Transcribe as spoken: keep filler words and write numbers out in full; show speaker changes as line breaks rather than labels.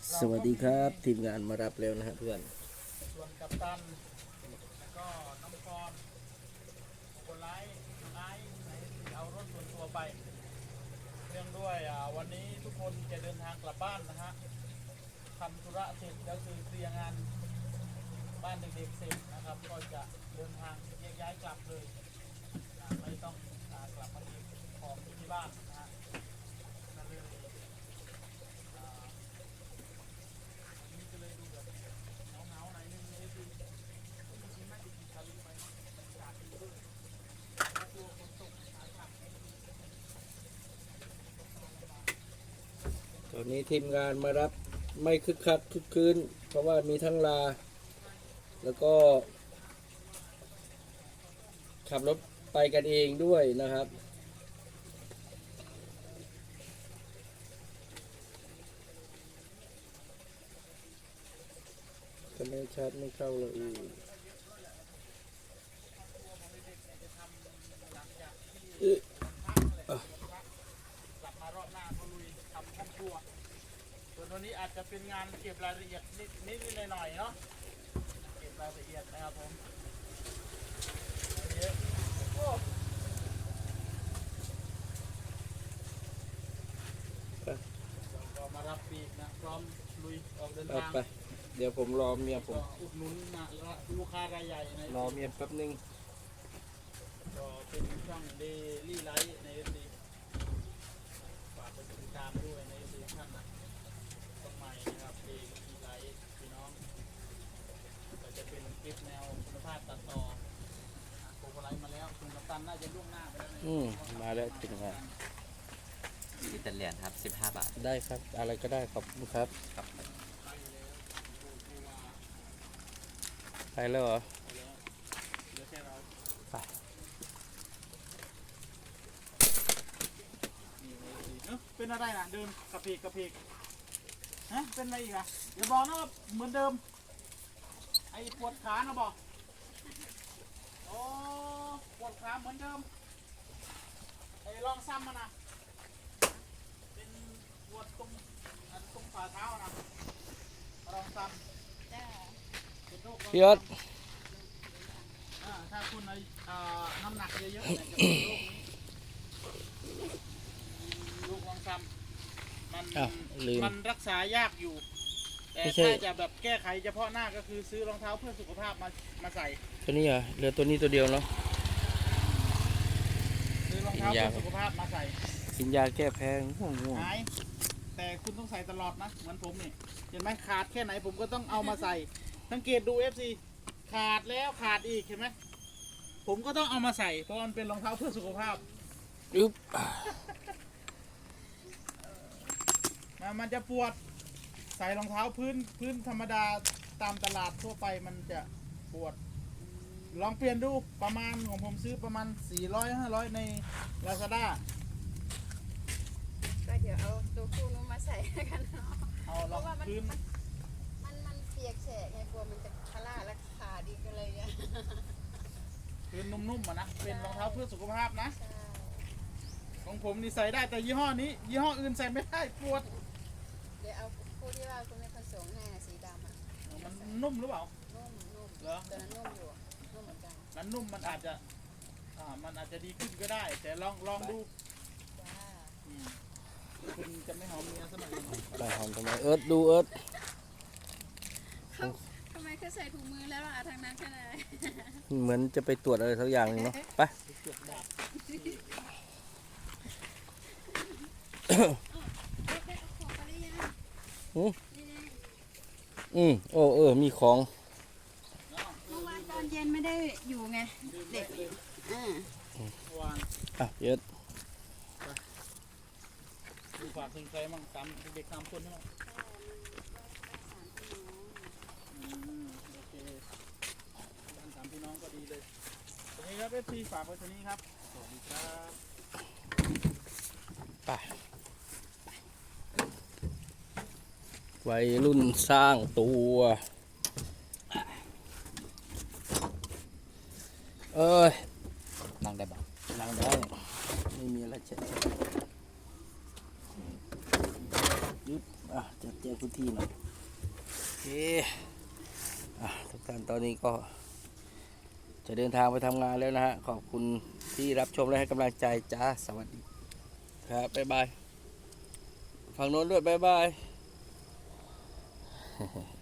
สวัสดีครับทีมงานมารับแล้วนะฮะเพื่อน
ส่วนกัปตันแล้วก็น้องกรโกไลท์ไลท์ไหนเอารถส่วนตัวไปเนื่องด้วยอ่าวันนี้ทุกคนจะเดินทางกลับบ้านนะฮะทำธุระเสร็จแล้วคือเคลียร์งานบ้านเด็กๆเสร็จนะครับก็จะเดินทางแยกย้ายกลับเลยอ่าไม่ต้องอ่ากลับมาเก็บของที่บ้านนะฮะก็เลยอ่าวันนี้ก็เลยดูแบบเหงาๆหน่อยนึงเลยคือ
ตอนนี้ทีมงานมารับไม่คึกคักคึกคืนเพราะว่ามีทั้งลา แล้วก็ขับรถไปกันเองด้วยนะครับก็ไม่ชัดไม่เข้าเลยอีก
กลับมารอบหน้าก็ลุยทำห้องครัวส่วนวันนี้อาจจะเป็นงานเก็บรายละเอียดนิดนิดหน่อยๆเนาะเก็บรายละเอียดนะครับผมเยอะโอ้ก็มารับปีกนะพร้อมลุยออกเดิน
ไป
ทาง
ไปเดี๋ยวผมรอเมียผม
ก็อุดหนุนนะลูกค้ารายใหญ่ใน
รอเมียแป๊บนึง
ก็เป็นช่องเดลี่ไลท์ในเอฟซีฝากไปติดตามด้วยในเอฟซีท่านนะต้องใหม่นะครับเดลี่ไลท์พี่น้องก็จะเป็นคลิปแนวคุณภาพตัดต่อโกโกไลท์มาแล้วคุณกัปตันน่าจะล่วงหน้าไปแล้ว
อืมมาแล้วทีมงาน
อิตาเลียนครับสิบห้าบาท
ได้ครับ อะไรก็ได้ขอบคุณครับ
ครับ
ไปแล้วเหรอ
เหลือแค่เรา
ไป
นี่ในเอฟซีเอ้าเป็นอะไรนะเดินกระเพกกระเพกฮะเป็นอะไรอีกอะอย่าบอกนะว่าเหมือนเดิมไอ้ปวดขานะบอกโอ้ปวดขาเหมือนเดิมไอ้ลองซ้ำมานะเป็นปวดตรงอันตรงฝ่าเท้านะลองซ้ำเป็นโรคลอง
พี่ยศ
ซ้ำอ่าถ้าคุณเอาอ่าน้ำหนักเยอะๆเนี่ยจะเป็นโรคนี้โรคลองซ้ำมัน
อ้าวลืม
มันรักษายากอยู่ แต่
ไม่ใช่
ถ้าจะแบบแก้ไขเฉพาะหน้าก็คือซื้อรองเท้าเพื่อสุขภาพมามาใส่
ตัวนี้เหรอเหลือตัวนี้ตัวเดียวเนาะ
ซื้อรองเท้า
กินยา
เพื่อสุขภาพมาใส่
กินยาแก้แพ้ง่วงง่วง
หายแต่คุณต้องใส่ตลอดนะเหมือนผมนี่เห็นไหมขาดแค่ไหนผมก็ต้องเอามาใส่สังเกตดู เอฟ ซี ขาดแล้วขาดอีกเห็นไหมผมก็ต้องเอามาใส่เพราะมันเป็นรองเท้าเพื่อสุขภาพ
อึ๊บ
มันมันจะปวดใส่รองเท้าพื้นพื้นธรรมดาตามตลาดทั่วไปมันจะปวด ลองเปลี่ยนดูประมาณของผมซื้อประมาณสี่ร้อยห้าร้อยใน Lazada
ก็เดี๋ยวเอาตัวคู่นู้นมาใส่กันเนาะ
เอา
เพ
ลอง
ราะว่ามัน
พื้น
มันมันมันเปียกแฉะไงกลัวมันจะคลาและขาดอีกก็เลยอะ
พื้นนุ่มๆอ่ะนะเป็นรองเท้าเพื่อสุขภาพนะ
ใช่
ของผมนี่ใส่ได้แต่ยี่ห้อนี้ ยี่ห้ออื่นใส่ไม่ได้ปวด
เดี๋ยวเอาคู่ที่ว่าคุณแม่ผสมให้อะสีดำอ่ะ
มันนุ่มหรือเปล่า
นุ่มนุ่ม
เหรอ
ตัวนั้นนุ่มอยู่อะนุ่มเหมือนกัน
นั้นนุ่มมันอาจจะอ่ามันอาจจะดีขึ้นก็ได้ แต่ลองลองดู
จ้า
อืมคุณจะไม่หอมเมียสมัยนี้
ไปหอมทำไมเอิร์ธดูเอิร์ธ
เขาทำไมเขาใส่ถุงมือแล้วล่ะทางนั้นแค่ไหน
เหมือนจะไปตรวจอะไรสักอย่างหนึงเนาะไป
เกือบดาบ
ได้เอาของไปหรือยัง
อืม
นี่ไง
อืมโอ้เออมีของ
เมื่อวานตอนเย็นไม่ได้อยู่ไงเด็กอ่า
เมื่อวาน
อ่ะเอิร์ธ
ดูฝากถึงใครมั่งสามเด็กสามคนใช่ไหมอืมโอเคบ้านสามพี่น้องก็ดีเลยตรงนี้ครับเอฟซีฝากไว้ตรงนี้ครับสวัสดีครับ
ไปวัยรุ่นสร้างตัวเอ้ย
นั่งได้บ้าง
นั่งได้ไม่มีอะไรเช็ดยยึบอ่ะจัดแจงพื้นที่หน่อยโอเคอ่ะทุกท่านตอนนี้ก็ จะเดินทางไปทำงานแล้วนะฮะ ขอบคุณที่รับชมและให้กำลังใจจ้า สวัสดีครับ บ๊ายบาย ฝั่งโน้นด้วย บ๊ายบาย